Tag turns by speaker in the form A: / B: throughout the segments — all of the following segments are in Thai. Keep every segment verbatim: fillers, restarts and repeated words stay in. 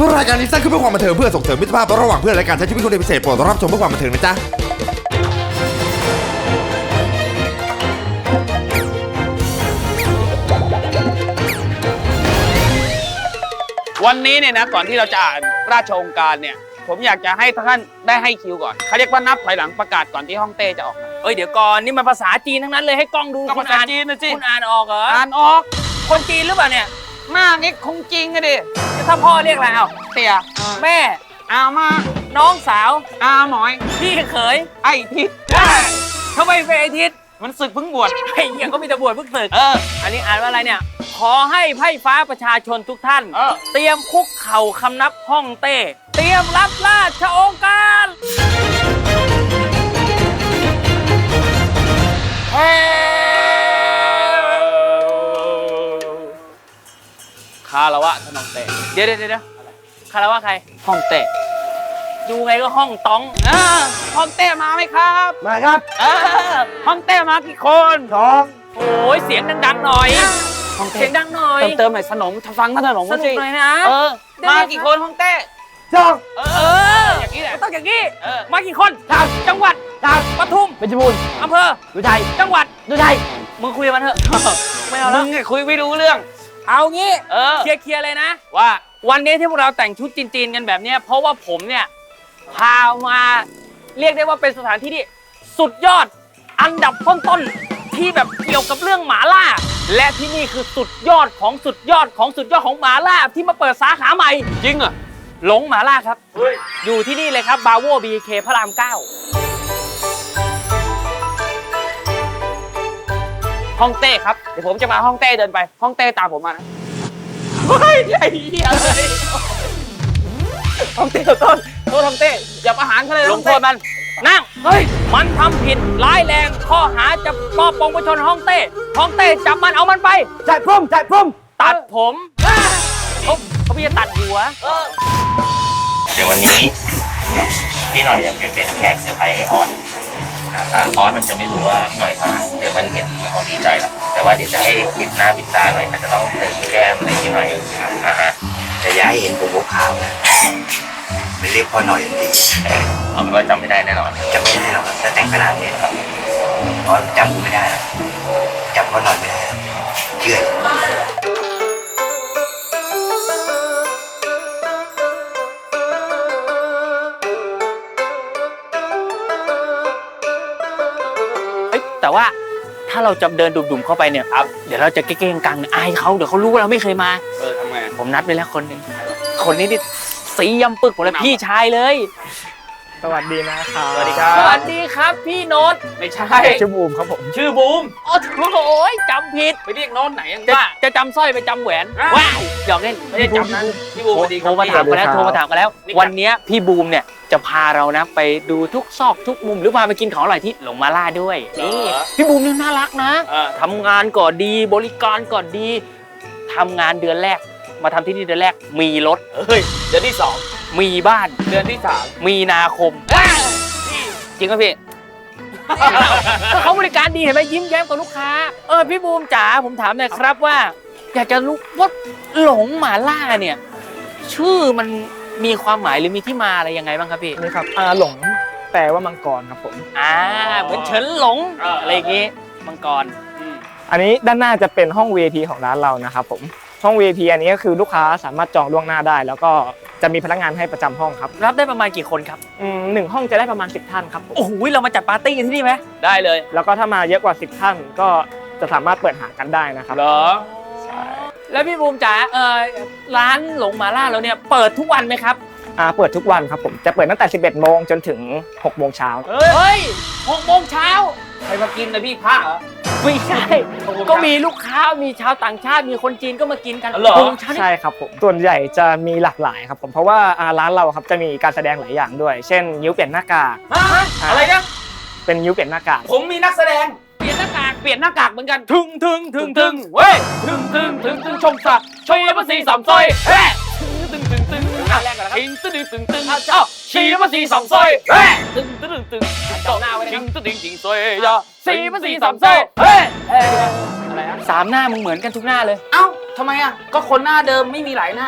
A: รายการนี้สร้างขึ้นเพื่อความบันเทิงเพื่อส่งเสริมมิตรภาพระหว่างเพื่อนและการใช้ชีวิตคนพิเศษโปรดรับชมเพื่อความบันเทิงนะจ๊ะ
B: วันนี้เนี่ยนะก่อนที่เราจะอ่านราชองค์การเนี่ยผมอยากจะให้ท่านได้ให้คิวก่อนเขาเรียกว่านับถอยหลังประกาศก่อนที่ฮ่องเต้จะออกมา
C: เอ้ยเดี๋ยวก่อนนี่มันภาษาจีนทั้งนั้นเลยให้กล้องดู
B: ก็ภาษาจีนนะสิ
C: คุณอ่านออกเหรอ
B: อ่านออก
C: คนจีนหรือเปล่าเนี่ย
B: หน้านี้คงจริงอะดิ
C: ถ้าพ่อเรียกอะไรเอา
B: เตี่ย
C: แม่
B: อามา
C: น้องสาว
B: อาหมอย
C: พี่เขย
B: ไอ้ทิศ
C: ทำไมเป็นไอทิศ
B: มันศึกเพิ่งบวช
C: ไอ้เหี้ยก็มีแต่บวชเพิ่งศึก
B: เออ
C: อันนี้อ่านว่าอะไรเนี่ยขอให้ไพร่ฟ้าประชาชนทุกท่าน
B: เออ
C: เตรียมคุกเข่าคำนับฮ่องเต้เตรียมรับราชองค์การเฮ้คารวะท่านฮ่องเต้เดี๋ยวเดี๋ยวเดี๋ยวคารวะใครฮ่องเต้ดูไงก็ห้องต้อง
B: เออฮ่องเต้มาไหมครับ
A: มาครับ
B: เออฮ่องเต้มากี่คน
A: สอง
C: โอ้ยเสียงดังๆหน่อย
B: ฮ่องเต้
C: เสียงดังหน่อย
B: เติมเติมหน่อยสนมฟังท่านสนม
C: สนุกหน่อยนะ
B: เออมากี่คนฮ่องเต้
A: สอง
B: เอ
C: เอ
B: อ
C: อ
B: อย่างนี้แหละ
C: ต้องอย่างนี้
B: เออ
C: มากี่คนจังหวัดปทุม
A: เป็นจมูก
C: อำเภอ
A: ดูใจ
C: จังหวัด
A: ดูใจ
C: มึงคุยกับมันเถอะ ไม่เอา
B: มึ
C: แล้ว
B: งคุยไม่รู้เรื่อง
C: เอางี้
B: เออ
C: เคลียร์เคลียร์เลยนะ
B: ว่า
C: วันนี้ที่พวกเราแต่งชุดจีนๆกันแบบเนี้ยเพราะว่าผมเนี่ยพามาเรียกได้ว่าเป็นสถานที่ที่สุดยอดอันดับต้นๆที่แบบเกี่ยวกับเรื่องหมาล่า และที่นี่คือสุดยอดของสุดยอดของสุดยอดของหมาล่าที่มาเปิดสาขาใหม่
B: จริงเหรอ
C: หลงหมาล่าครับ อยู่ที่นี่เลยครับบาโวบีเคพระรามเก้าฮ่องเต้ครับเดี๋ยวผมจะมาฮ่องเต้เดินไปฮ่องเต้ตามผมมานะเฮ้ยไอ้เหี้ยเลยฮ่องเต้ต้นโทษฮ่องเต้อย่าประหารเขาเลยลงโทษมันนั่งเฮ้ยมันทำผิดร้ายแรงข้อหาจะมอบปองประชนฮ่องเต้ฮ่องเต้จับมันเอามันไป
A: จ่ายพุ่มจ่ายพุ่ม
C: ตัดผมเขาเขาพี่จะตัดหัว
D: เดี๋ยววันนี้พี่หน่อยอยากเป็นแขกเซอร์ไพรส์ให้ออนนะครับออนมันจะไม่รู้ว่าพี่หน่อยมาเดี๋ยวมันเห็นมันคงดีใจแล้วแต่ว่าเดี๋ยวจะให้ปิดหน้าปิดตาหน่อยมันจะต้องเติมแก้มอะไรพี่หน่อยอ่าฮะจะย้ายเห็นผมบุกขาวนะไม่เรียกพ่อหน่อยดีเอาเป็นว่าจำไม่ได้แน่นอนจำไม่ได้หรอกถ้าแต่งขนาดนี้ครับออนจำไม่ได้จำพ่อหน่อยไม่ได้เชื่อ
C: แต่ว่าถ้าเราจะเดินดุ่มๆเข้าไปเนี่ยครับเดี๋ยวเราจะเก้งๆกังๆอายเขาเดี๋ยวเขารู้ว่าเราไม่เคยมา
B: เออทำไง
C: ผมนัดไปแล้วคนหนึ่งคนนี้นี่สียำปึกหมดเลยพี่ชายเลย
E: สวัสดีนะครับ
B: สวัสดีครับ
C: สวัสดีครับพี่โน้ต
B: ไม่ใช่
E: ชื่อบูมครับผม
B: ชื่อบูม
C: โอ้โหจำผิด
B: ไปเรียกโน้ตไหนยัง
C: จะ
B: ว่า
C: จะจำสร้อยไปจำแหวน
B: อ่ะ
C: ว้ายหยอกเล่น
B: ไม่ได้จำนั้นพี่บูมสวัสดีค
C: โท
B: รับ
C: รมาถามกันแล้วโทรมาถามกันแล้ว
B: นี่ครับ
C: วันนี้พี่บูมเนี่ยจะพาเรานะไปดูทุกซอกทุกมุมหรือพาไปกินของอร่อยที่หลงมาล่าด้วยนี่พี่บูมเนี่ยน่ารักนะ
B: เออ
C: ทำงานก่อนดีบริการก่อนดีทำงานเดือนแรกมาทำที่นี่เดือนแรกมีรถ
B: เฮ้ยเดือนที่สอง
C: มีบ้าน
B: เดือนที่สาม
C: มีนาคมจริงไหมพี่ก็เขาบริการดีเห็นไหมยิ้มแย้มกับลูกค้าเออพี่บูมจ๋าผมถามหน่อยครับว่า อยากจะรู้ว่าหลงหมาล่าเนี่ย ชื่อมันมีความหมายหรือมีที่มาอะไรยังไงบ้างครับพี่
E: นี่ครับอาหลงแปลว่ามังกรครับผม
C: อ่าเหมือนเฉินหลงอะไรอย่างงี้มังกร
E: อันนี้ด้านหน้าจะเป็นห้อง วี ไอ พี ของร้านเรานะครับผมห้อง วี ไอ พี อันนี้ก็คือลูกค้าสามารถจองล่วงหน้าได้ แล้วก็จะมีพนักงานให้ประจำห้องครับ
C: รับได้ประมาณกี่คนครับ
E: อืมหนึ่งห้องจะได้ประมาณสิบท่านครับผม
C: โอ้โหเรามาจัดปาร์ตี้กันที่นี่ไหม
B: ได้เลย
E: แล้วก็ถ้ามาเยอะกว่าสิบท่านก็จะสามารถเปิดหากันได้นะครับ
B: เหรอ
E: ใช่
C: แล้วพี่บูมจ๋าเออร้านหลงหมาล่าเราเนี่ยเปิดทุกวันไหมครับ
E: อ่าเปิดทุกวันครับผมจะเปิดตั้งแต่สิบเอ็ดโมงจนถึงหกโมงเช้า
B: เฮ้ย
C: เฮ้ยหกโมงเช้า
B: ใครมากินนะพี่ผ้าเหรอ
C: ไม่ใช่ ก็มีลูกค้ามีชาวต่างชาติมีคนจีนก็มากินกัน
B: เหรอ
C: หกโมงเช้านี่
E: ใช่ครับผมส่วนใหญ่จะมีหลากหลายครับผมเพราะว่าอ่าร้านเราครับจะมีการแสดงหลายอย่างด้วย เช่นนิ้วเปลี่ยนหน้ากาก
B: ฮะอะไรนะ
E: เป็นนิ้วเปลี่ยนหน้ากาก
B: ผมมีนักแสดง เปลี่ยนหน้ากาก เปลี่ยนหน้ากากเหมือนกัน ถึงถึงถึงถึงเว้ย ถึงถึงถึงถึงชมสัตว์ชมภาษีสามซอยเฮ้ตึงตึงตึงตึงแรกก่อนนะครับตึงตึงตึงตึงเอ้าชีภาษีสามซอยเฮ้ตึงตึงตึงเจ้าหน้าไว้นะครับตึงตึงตึงซอยยาสีภาษีสามซอยเฮ้อะไรอะ
C: สามหน้ามึงเหมือนกันทุกหน้าเลย
B: เอ้าทำไมอ่ะ ก็คนหน้าเดิมไม่มีหลายหน้า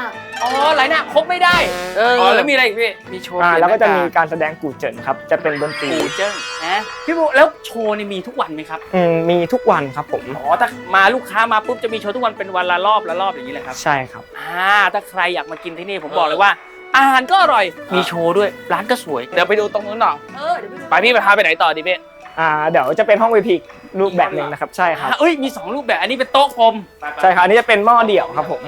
B: อ๋อไหลหน้าครบไม่ได้
C: เออ
B: อ๋อแล้วมีอะไรอีกพี่มีโชว์
E: อ่า
B: เปยน
E: แล้วก็จะมี
B: หน้า
E: การแสดงกู่เจินครับจะเป็นดนตรี
B: กูเจิ้งนะพี่บูแล้วโชว์นี่มีทุกวันไหมครับ
E: อืมมีทุกวันครับผม
B: อ๋อถ้ามาลูกค้ามาปุ๊บจะมีโชว์ทุกวันเป็นวันละรอบละรอบอย่างนี้เลยครับ
E: ใช่ครับ
B: อ่าถ้าใครอยากมากินที่นี่ผมบอกเลยว่า อาหารก็อร่อยมีโชว์ด้วยร้านก็สวย
C: เดี๋ยวไปดูตรงนู้นหน่อย
B: เออเดี๋ยวไปดู
C: ไปพี่ไปพาไปไหนต่อดีพี่
E: อ่าเดี๋ยวจะเป็นห้อง วี พี รูปแบบหนึ่งนะครับใช่ครับ
B: อ่ะเอ้ยมีสองรูปแบบอันนี้เป็นโต๊ะกลม
E: ใช่ครับอันนี้จะเป็นหม้อเดี่ยวครับผม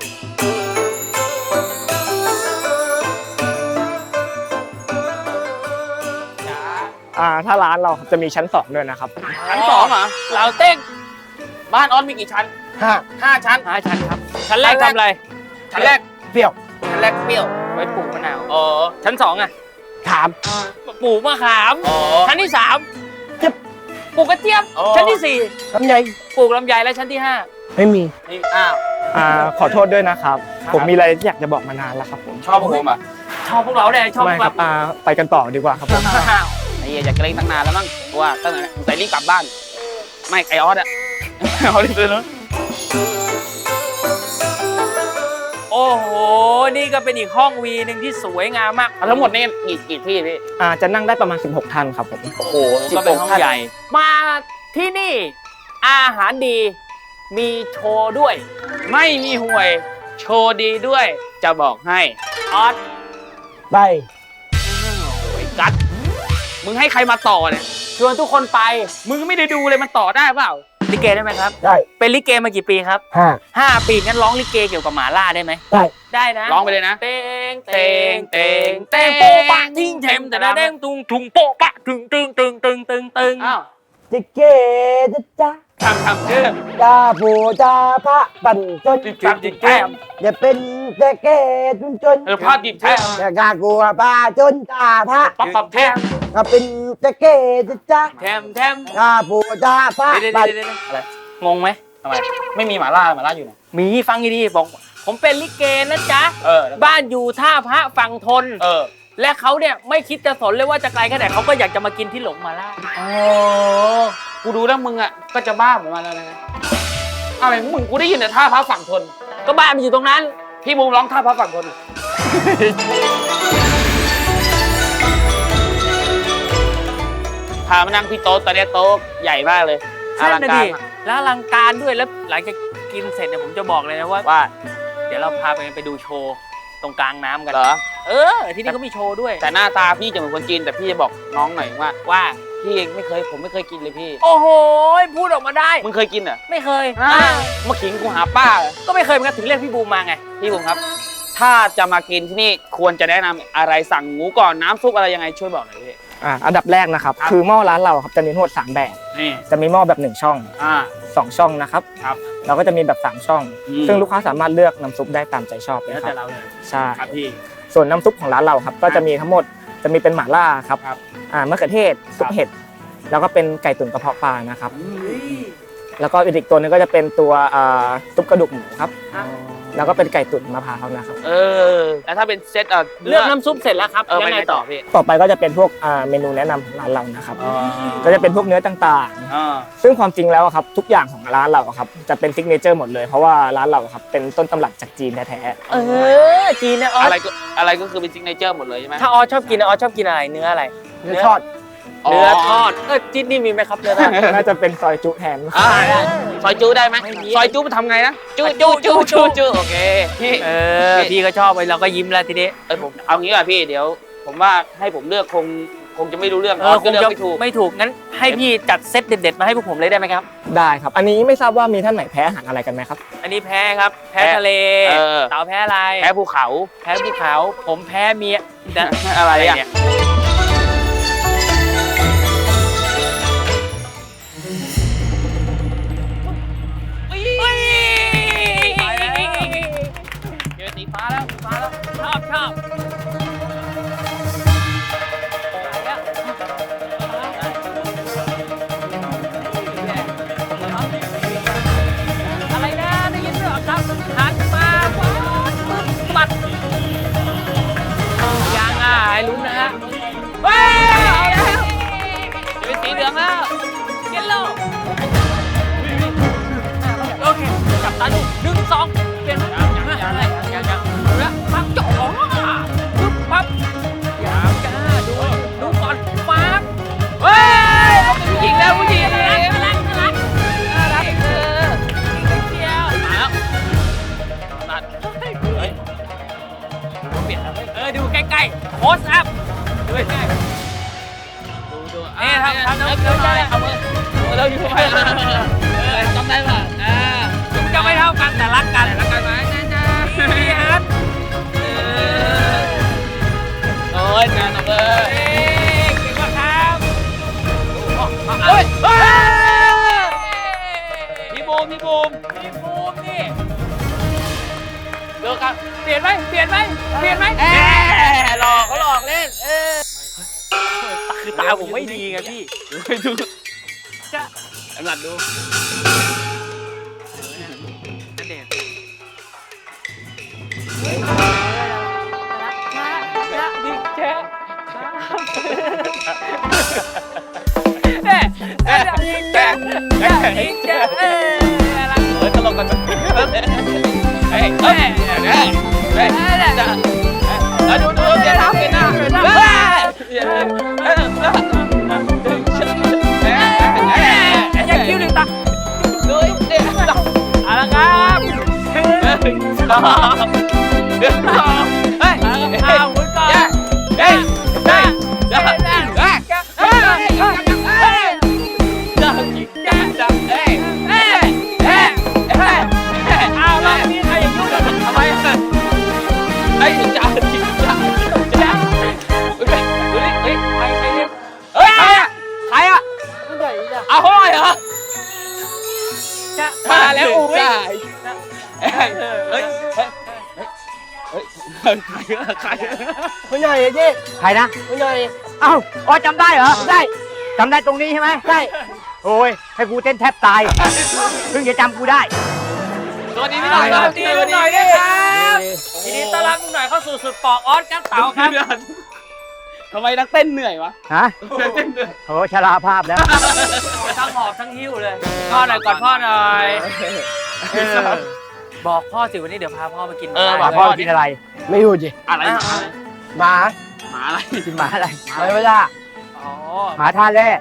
E: อ่าถ้าร้านเราครับจะมีชั้นสองด้วยนะครับ
C: ชั้นสองเหรอ
B: เราเต้ง
C: บ้านออสมีกี่ชั้น
E: ห้า
C: ห้าชั้น
B: ห้าชั้นครับชั้นแรกทำอะไร
C: ชั้นแรก
E: เปรี้ยว
C: ชั้นแรกเปรี้ยว
B: ไว้ปลูกมะนาว
C: อ๋อ
B: ชั้นสองอ่ะ
E: ถาม
B: ปลูกมะขาม
C: อ๋อ
B: ชั้นที่สาม
E: เจี๊ยบ
B: ปลูกกระเจี๊ยบ
C: อ๋อ
B: ชั้นที่สี่
E: ลำไย
B: ปลูกลำไยและชั้นที่ห้า
E: ไม่มี
C: นี่อ้าว
E: อ่าขอโทษด้วยนะครับ ผมมีอะไรที่อยากจะบอกมานานแล้วครับผม
C: ชอบผมอ่ะ
B: ชอบพวกเราเลยชอบพ
E: ไม่
B: วก
E: ค
B: เรา
E: รับอ่าไปกันต่อดีกว่าครับผม
B: อ้าว
C: ไอ้เหี้ยอยากจะเล่นตั้งนานแล้วมั้งว่าตั้งแต่ใส่รีบกลับบ้าน ไม่ไอออสอ่ะ เอาดิเลยเนาะ
B: โอ้โหนี่ก็เป็นอีกห้องวีหนึ่งที่สวยงามมาก
C: ทั้งหมดนี่กี่กี่ที่พี่
E: อ่าจะนั่งได้ประมาณสิบหกท่านครับผม
C: โอ้โห
B: ก็เป็นห้องใหญ่ มาที่นี่อาหารดีมีโชว์ด้วย
C: ไม่มีห่วย โชว์ดีด้วย จะบอกให้
B: ออส
E: ไป
C: โอ้ยกัดมึงให้ใครมาต่อเนี่ย
B: ชวนทุกคนไป
C: มึงไม่ได้ดูเลยมันต่อได้เปล่า
B: ลิเกได้ไหมครับ
E: ได้
B: เป็นลิเกมากี่ปีครับ
E: ห้า
B: ห้าปีงั้นร้องลิเกเกี่ยวกับหมาล่าได้ไหม
E: ได้
B: ได้นะ
C: ร้องไปเลยนะ
B: เตงเต
C: เต
B: ง
C: ง
B: เต
C: เต
B: ง
C: ง
B: เต
C: เต
B: ง
C: ง
B: โป๊ะปะทิ้งเทมแต่ละเด้งตุงทุงโป๊ะปะถึงตึงตึงตึงตึงตึง
C: อ้าว
E: จิเกจะจ้า
C: ทำทำชื่อ
E: จาปูจาพระปั่นจน
C: จิบจิบจิบแก้ม
E: อย่าเป็นแต่แก่จนจน
C: เออภาพจิบแท้
E: อย่ากล้ากลัวป้าจนจาพระ
C: ปับปับแท้
E: ก็เป็นแต่แก่จะจ้า
B: แทมแทม
E: จาปูจาพระ
B: เดี๋ยว
E: ปั่น
B: เดี๋ยวเดี๋ยวอะไรงงไหม
C: ทำไมไม่มีหมาล่าหมาล่าอยู่ไหน
B: มีฟังดีๆบอก ผมเป็นลิเกนะจ๊ะ
C: เออแล้ว
B: บ้านอยู่ท่าพระฝั่งทน
C: เออ
B: และเขาเนี่ยไม่คิดจะสนเลยว่าจะไกลแค่ไหนเขาก็อยากจะมากินที่หลงมาล่า
C: โอ้กูดูแล้วมึงอ่ะก็จะบ้าเหมือนมันแล้วนะอะไรของมึงกูได้ยินแต่ท่าพระฝั่งทน
B: ก็บ้านมันอยู่ตรงนั้น
C: พี่บูมร้องท่าพระฝั่งทน พามานั่งที่โต๊ะตอนนี้โต๊ะใหญ่มากเลยอ
B: นั่
C: ลั
B: น
C: ง
B: นะ
C: การ
B: ดิแล้วอลังการด้วยแล้วหลังจากกินเสร็จเนี่ยผมจะบอกเลยนะว่า
C: ว่า
B: เดี๋ยวเราพาไปไปดูโชว์ตรงกลางน้ำกัน
C: เหรอ
B: เออ ที่นี่ก็มีโชว์ด้วย
C: แต่หน้าตาพี่จะเหมือนคนจีนแต่พี่จะบอกน้องหน่อยว่า
B: ว่า
C: พี่ไม่เคยผมไม่เคยกินเลยพี่
B: โอ้โหพูดออกมาได้
C: มึงเคยกินเหรอ
B: ไม่เคย
C: อ่ามาขิงกูหาป้าเหรอ
B: ก็ไม่เคยเหมือนกันถึงเรียกพี่บูมมาไง
C: พี่บุ๋มครับ ถ้าจะมากินที่นี่ควรจะแนะนำอะไรสั่งหมูก่อนน้ำซุปอะไรยังไงช่วยบอกหน่อยพี่
E: อ่าอันดับแรกนะครับ
C: ครับ
E: คือหม้อร้านเราครับจะมีทั้งหมดสามแบบ
C: นี่
E: จะมีหม้อแบบหนึ่งช่อง
C: อ่า
E: สองช่องนะครับ
C: ครับ
E: เราก็จะมีแบบสามช่อง
C: อืม
E: ซึ่งลูกค้าสามารถเลือกน้ำซุปได้ตามใจชอบเลย
C: แล้ว
E: ค
C: แต่
E: รับ
C: เราเลย
E: ใช่
C: ครับพี่
E: ส่วนน้ำซุปของร้านเราครับก็จะมีทั้งหมดจะมีเป็นหม่าล่าครับ
C: ครับ
E: อ่ามะเขือเทศซุปเห็ดแล้วก็เป็นไก่ตุ๋นกระเพาะปลานะครับ แล้วก็อีกตัวหนึงก็จะเป็นตัวอ่าซุปกระดูกหมูครับ แล้วก็เป็นไก่ตุ๋นมะพร้าวนะครับ
C: เออแล้วถ้าเป็นเซตเออ
B: เลือกน้ำซุปเสร็จแล้วครับ
C: เออ
B: ยั
C: ไป
B: ง
C: ไง
B: ไง
C: ต่
B: ต่
C: อ
B: อ
C: พี่
E: ต่อไปก็จะเป็นพวกอ่าเมนูแนะนำของร้านเรานะครับ ก็จะเป็นพวกเนื้อต่าง
C: อ่า
E: ๆ ซึ่งความจริงแล้วอะครับทุกอย่างของร้านเราอะครับจะเป็นซิกเนเจอร์หมดเลยเพราะว่าร้านเราอะครับเป็นต้นตำรับจากจีนแท้
B: เออจีนนะออ
C: อะไร
B: ส
C: ก็อะไรก็คือเป็นซิกเนเจอร์หมดเลยใช่ไหม
B: ถ้าออสชอบกินนะออสชอบกินอะไรเนื้ออะไร
E: ๆเนื้อทอด
B: เนื้อทอดเออจีนนี่มีไหมครับเนื้อทอด
E: น่าจะเป็นซอยจุแทน
C: อ่าซอยจูได้ไหม
B: ไม่มี
C: ซอยจูมันทำไงนะจูจูจูจูจูโอเคพี่
B: เออพี่ก็ชอบไปเราก็ยิ้มแล้วทีนี้
C: เออผมเอางี้ก่อนพี่เดี๋ยว ผมว่าให้ผมเลือกคงคงจะไม่รู้เรื่อง
B: เออค
C: ก็
B: ง
C: เลือก
B: จะ
C: ไม่ถูก
B: ไม่ถูกงั้นให้พี่จัดเซตเด็ดๆมาให้พวกผมเลยได้ไหมครับ
E: ได้ครับ อันนี้ไม่ทราบว่ามีท่านไหนแพ้อาหารอะไรกันไหมครับ
B: อันนี้แพ้ครับ แพ้
C: แพ้
B: ทะเล
C: เออ
B: เต่าแพ้อะไร
C: แพ้ภูเขา
B: แพ้ภูเขาผมแพ้เมียนะ
C: อะไรอ่ะ
B: เนี่ยเฮ้ย
C: เจอสีฟ้าแล้วสีฟ้าแล้ว
B: ชอบชอบอะไรนะได้ยินด้วยเหรอครับหันมาปั๊บปึ๊บปัดยังอ่ะให้ลุ้นนะฮะว้าวเอาแล้วจะเป็นสีเหลืองแล้วเยลโล่โอเคจับตาดูหนึ่งสองเปลี่ยนยังยังยังยังยังยังโพสอัพด้วยแม่ดูดูเอ๊ะทำทำน้ำเกลือหน่อยเอามือเราอยู่ไปจำได้ป่ะอ่าจะไม่เท่ากันแต่รักกันรักกันไหมจ้าพี่ฮัทโอ้ยงานเอาเลยเก่งมากครับเฮ้ยพี่บูมพี่บูมพี่บูมนี่เลิกกันเปลี่ยนไหมเปลี่ยนไหมเปลี่ยนไหมเอ๊หลอกเขาหลอกเล่นเออคือตาผมไม่ดีไงพี่ดูจะกำลังดูนั่นเด็ดนะดิเจ๊เอ๊ะเอ๊ะดิเจ๊เอ๊ะดิเจ๊เอ๊ะอะไรเออตลกกันเฮ้ยเฮ้ยเฮ้ยเฮ้ยแล้วดูดูเดี๋ยวทำเป็นหน้าเป็นหน้าอย่าคิ้วหนึ่งตาดูเดี๋ยวเอาละครับหนึ่งสองหนึ่งสองเฮ้ยเอาหมุนก่อนเฮ้ยเฮ้ยเฮ้ยเฮ้ยเฮ้ยเฮ้ยเฮ้ยจับจิกจับจับเฮ้ยเฮ้ยเฮ้ยเฮ้ยเอาละนี่ใครอย่ายุ่งกันทำไมไอ้จับจิกจับจับเฮ้ยเฮ้ยเฮ้ยใครใครเนี่ยเฮ้ยใครอะใครอะเอาห้อยเหรอมาแล้วอุ้ยเฮ้ยเฮ้ยเฮ้ยเฮ้ยใครใคร
F: คุณใหญ่เจ๊ใครนะคุณใหญ่เอ้าอ๋อจำได้เหรอได้จำได้ตรงนี้ใช่ไหมได้โอ้ยให้กูเต้นแทบตายเพิ่งจะจำกูได้
B: สวัสดีพี่หน่อยครับดีลุงหน่อยด้วยครับทีนี้ต้อนรับลุงหน่อยเข้าสู่สุดปอกออสครับเต๋าครับทำไมนักเต้นเหนื่อยวะ
F: ฮะ
B: เต้นเหนื่อย
F: โอ้ชราภาพแล้ว
B: ทั้งหอบทั้งหิ้วเลยพ่อหน่อยก่อนพ่อหน่อยบอกพ่อสิวันนี้เดี๋ยวพาพ่อไปกิน
F: เออบอกพ่อกินอะไร ไม่รู้จิ
B: อะไร
F: หมา
B: หมาอะไร
F: กินหมาอะไรหมาไม่ได้
B: อ๋อ
F: หมาท่าแร่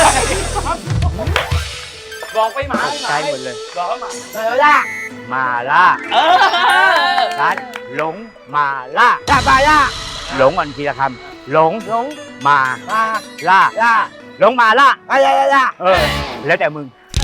B: บอกไปหมาห
F: ใจ
B: มา
F: หมดเลย
B: บอกว่าหมา
F: ไม่ได้มาล่า
B: เออ
F: ร้านหลงมาล่าล่าปลาล่าหลงก่อนทีละคำหลงหลงมามาล่าล่าหลงมาล่าล่าล่าล่าเออแล้วแต่มึง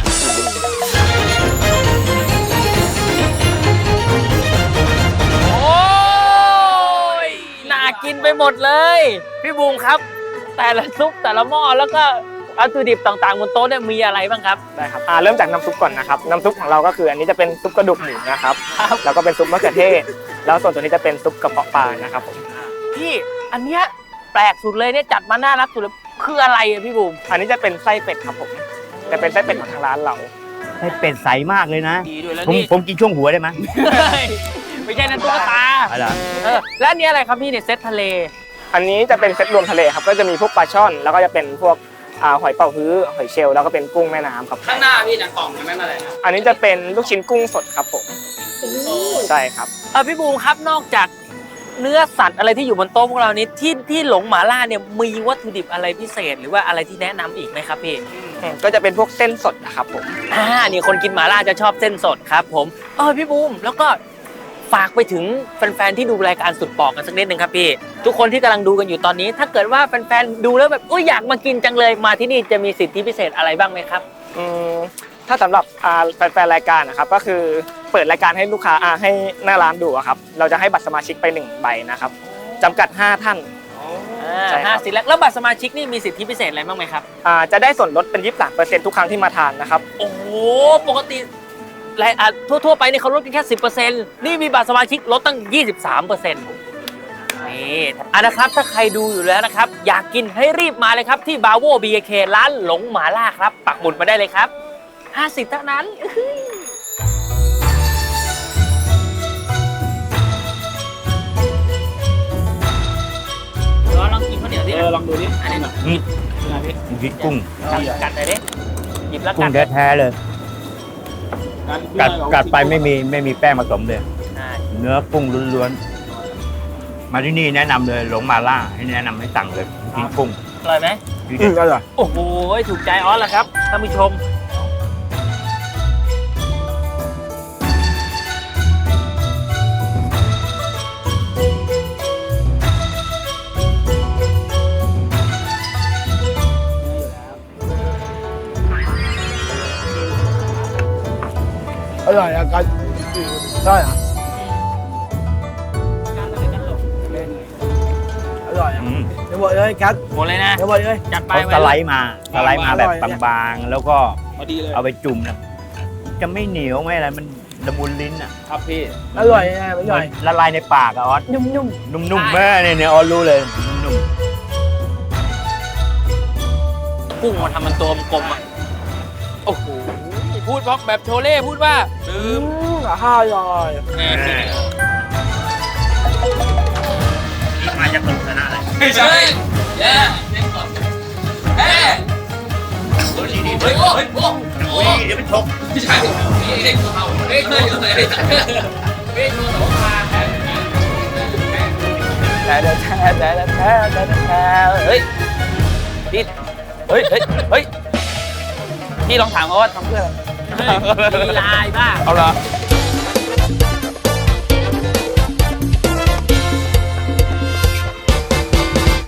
B: โอ้ยน่ากินไปหมดเลยพี่บูมครับ แต่ละซุปแต่ละหม้อแล้วก็วัตถุดิบต่างๆบนโต๊ะเนี่ยมีอะไรบ้างครับ
E: ได้ครับอ่าเริ่มจากน้ำซุปก่อนนะครับน้ำซุปของเราก็คืออันนี้จะเป็นซุปกระดูกหมูนะครับแล้วก็เป็นซุปมะเขือเทศแล้วส่วนตัวนี้จะเป็นซุปกระเพาะปลานะครับผม
B: พี่อันเนี้ยแปลกสุดเลยเนี่ยจัดมาน่ารักสุดเลยคืออะไรอะพี่บูม
E: อันนี้จะเป็นไส้เป็ดครับผมจะเป็นไส้เป็ดของทางร้านเรา
F: ให้เป็ดใสมากเลยนะ
B: ดีด้วยแล้ว
F: ผม
B: นี่
F: ผมกินช่วงหัวได้ไหม
B: ไม่ใช่นั่นตุ๊กตา
F: อะไร
B: เออแล้วอันนี้อะไรครับพี่เนี่ยเซตทะเล
E: อันนี้จะเป็นเซตรวมทะเลครับก็จะมีพวกปลาช่อน แล้วก็จะเป็นพวกอ่าหอยเป๋าฮื้อหอยเชลล์แล้วก็เป็นกุ้งแม่น้ำครับ
B: ข้างหน้าพี่นะกล่องยังไม่มาเลยนะ
E: อันนี้จะเป็นลูกชิ้นกุ้งสดครับผมใช่ครับ
B: เออพี่บูมครับนอกจากเนื้อสัตว์อะไรที่อยู่บนโต๊ะพวกเรานี้ที่ที่หลงหมาล่าเนี่ยมีวัตถุดิบอะไรพิเศษ หรือว่าอะไรที่แนะนำอีกไหมครับพี่
E: อืมก็จะเป็นพวกเส้นสดนะครับผม
B: อ่านี่คนกินหมาล่าจะชอบเส้นสดครับผมเออพี่บูมแล้วก็ฝากไปถึงแฟนๆที่ดูรายการสุดปอกกันสักนิดนึงครับพี่ทุกคนที่กำลังดูกันอยู่ตอนนี้ ถ้าเกิดว่าแฟนๆดูแล้วแบบอุ้ยอยากมากินจังเลยมาที่นี่จะมีสิทธิพิเศษอะไรบ้างไหมครับ
E: อืมถ้าสำหรับอ่าแฟนๆรายการนะครับก็คือเปิดรายการให้ลูกค้าอ่าให้หน้าร้านดูอะครับเราจะให้บัตรสมาชิกไปหนึ่งใบนะครับจำกัดห้าท่าน ใช่ครับ
B: ห้าสิบแล้วแล้วบัตรสมาชิกนี่มีสิทธิพิเศษอะไรบ้างไหมครับ
E: อ่าจะได้ส่วนลดเป็นยี่สิบสามเปอร์เซ็นต์ทุกครั้งที่มาทานนะครับ
B: โอ้โหปกติรายอ่ะทั่วๆไปเนี่ยเขาลดกันแค่สิบเปอร์เซ็นต์นี่มีบัตรสมาชิกลดตั้งยี่สิบสามเปอร์เซ็นต์นี่อ่ะนะครับถ้าใครดูอยู่แล้วนะครับอยากกินให้รีบมาเลยครับที่บาโว บี เค ร้านหลงหมาล่าครับปักหมุดมาได้เลยครับห้าสิบเท่านั้นลองลองกินข้าวเหนียวดิเออลองดูดิอันนี้
F: นี่กินกุ้ง
B: กัดเลยดิหยิบแล้ว
F: กุ้
B: กั
F: ง
B: ด
F: แท้ๆเลย กัดกัดไปไม่มีไม่มีแป้งผสมเลย
B: อ่า
F: เนื้อกุ้งล้วนๆ มาที่นี่แนะนำเลยหลงมาล่าให้แนะนำให้สั่งเลยกินกุ้ง
B: อร่อยไหม
F: ดีเด็ดอร่อย
B: โอ้โหถูกใจออสแล้วครับท่านผู้ชม
E: ได้เหรออร่อยอ่ะ
F: อืม
E: เดี๋ยวบอกเลยกัด
C: หมดเลยนะ
E: เดี๋ยวบอกเลย
C: จัดไป
F: เขาสไลด์มาสไลด์มาแบบ
E: อร่อยเนี่ย
F: บางๆ แล้วก็
C: พอดีเลย
F: เอาไปจุ่มนะจะไม่เหนียวไม่อะไรมันละมุนลิ้นอ่ะ
C: ครับพี่
E: อร่อยนะอ
F: เหมื
E: ร่
F: อ
E: อย
F: นละลายในปากอะออส
E: นุ่ม
F: นุ่มๆแม่เนี่ยเนี่ยออสรู้เลยนุ่ม
C: กุ้งมาทำมันตัวกลมๆอ่ะโอ้โหพูดบล็อกแบบโชเล่พูดว่า
E: ๆอืมข้าวอร่อย
F: ๆมาจากตุกนะอะไร
C: ไม่ใช่แย่เล่นก่อนแย่เฮ้ยโอ้ยโอ้โห
F: เดี๋ยวไปชก
C: ไม่ใช่เด็กเขาเด็กเลยเลยเด็กตัวสองขาแต่แต่แต่แต่แต่แต่แต่เฮ้ยพี่เฮ้ยเฮ้ยเฮ้ยพี่ลองถามเขาว่าทำเพื่ออะไรมีลายบ้าเอาละ